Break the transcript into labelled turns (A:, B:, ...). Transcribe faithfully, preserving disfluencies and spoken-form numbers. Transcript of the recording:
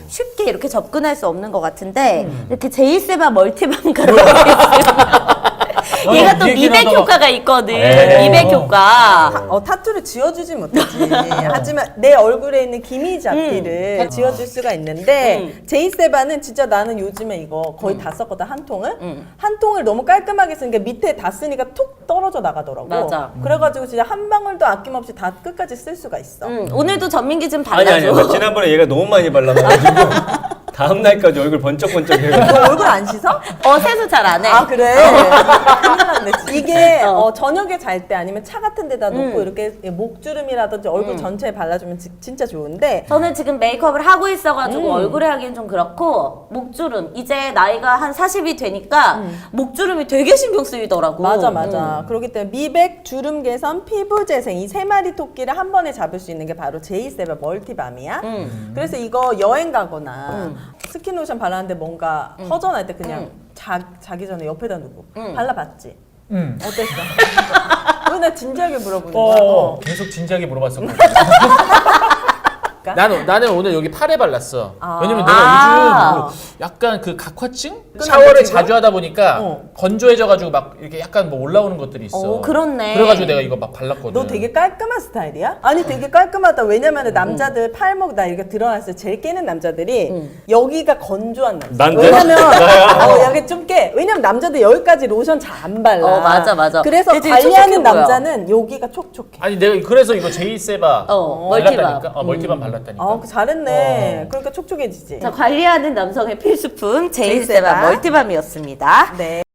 A: 쉽게 이렇게 접근할 수 없는 것 같은데 음. 이렇게 제이세바 멀티밤 가루가 있습니다. 얘가 또 미백 효과가 있거든. 에이. 미백 효과.
B: 타, 어, 타투를 지워주지 못하지. 하지만 내 얼굴에 있는 기미 잡티를 음. 지워줄 수가 있는데 음. 제이세바는 진짜 나는 요즘에 이거 거의 음. 다 썼거든, 한 통을. 음. 한 통을 너무 깔끔하게 쓰니까 밑에 다 쓰니까 툭 떨어져 나가더라고.
A: 맞아.
B: 그래가지고 진짜 한 방울도 아낌없이 다 끝까지 쓸 수가 있어.
A: 음. 오늘도 전민기 좀 발라줘.
C: 아니 아니 지난번에 얘가 너무 많이 발라가지고 다음 날까지 얼굴 번쩍번쩍해요.
B: 너 얼굴 안 씻어?
A: 어, 세수 잘 안 해.
B: 아, 그래? 큰일 났네. 이게 어. 어, 저녁에 잘 때 아니면 차 같은 데다 놓고 음. 이렇게 목주름이라든지 얼굴 음. 전체에 발라주면 지, 진짜 좋은데
A: 저는 지금 메이크업을 하고 있어가지고
B: 음.
A: 얼굴에 하기엔 좀 그렇고 목주름 이제 나이가 한 사십이 되니까 음. 목주름이 되게 신경 쓰이더라고.
B: 맞아 맞아. 음. 그렇기 때문에 미백, 주름 개선, 피부 재생 이 세 마리 토끼를 한 번에 잡을 수 있는 게 바로 제이세바 멀티밤이야. 음. 그래서 이거 여행 가거나 음. 스킨로션 발랐는데 뭔가 음. 허전할 때 그냥 음. 자, 자기 전에 옆에다 두고 음. 발라봤지? 응. 어땠어? 왜 나 진지하게 물어보는 거야?
D: 어, 어. 계속 진지하게 물어봤었거든. 나는 나는 오늘 여기 팔에 발랐어. 아. 왜냐면 내가 아. 요즘 그 약간 그 각화증 샤워를 자주 하다 보니까 어. 건조해져가지고 막 이렇게 약간 뭐 올라오는 것들이 있어.
A: 어, 그렇네.
D: 그래가지고 내가 이거 막 발랐거든.
B: 너 되게 깔끔한 스타일이야? 아니 되게 깔끔하다. 왜냐면 남자들 음. 팔목 나 이렇게 드러났을 때 제일 깨는 남자들이 음. 여기가 건조한 남자.
C: 난데?
B: 왜냐면 어, 여기 좀 깨. 왜냐면 남자들 여기까지 로션 잘 안 발라.
A: 어 맞아 맞아.
B: 그래서 관리하는 남자는 여기가 촉촉해.
D: 아니 내가 그래서 이거 제이세바
A: 어,
D: 발랐다니까. 어, 멀티밤 발랐다니까.
B: 어, 잘했네.
D: 어.
B: 그러니까 촉촉해지지.
A: 자, 관리하는 남성의 필수품 제이세바 멀티밤이었습니다.
B: 네.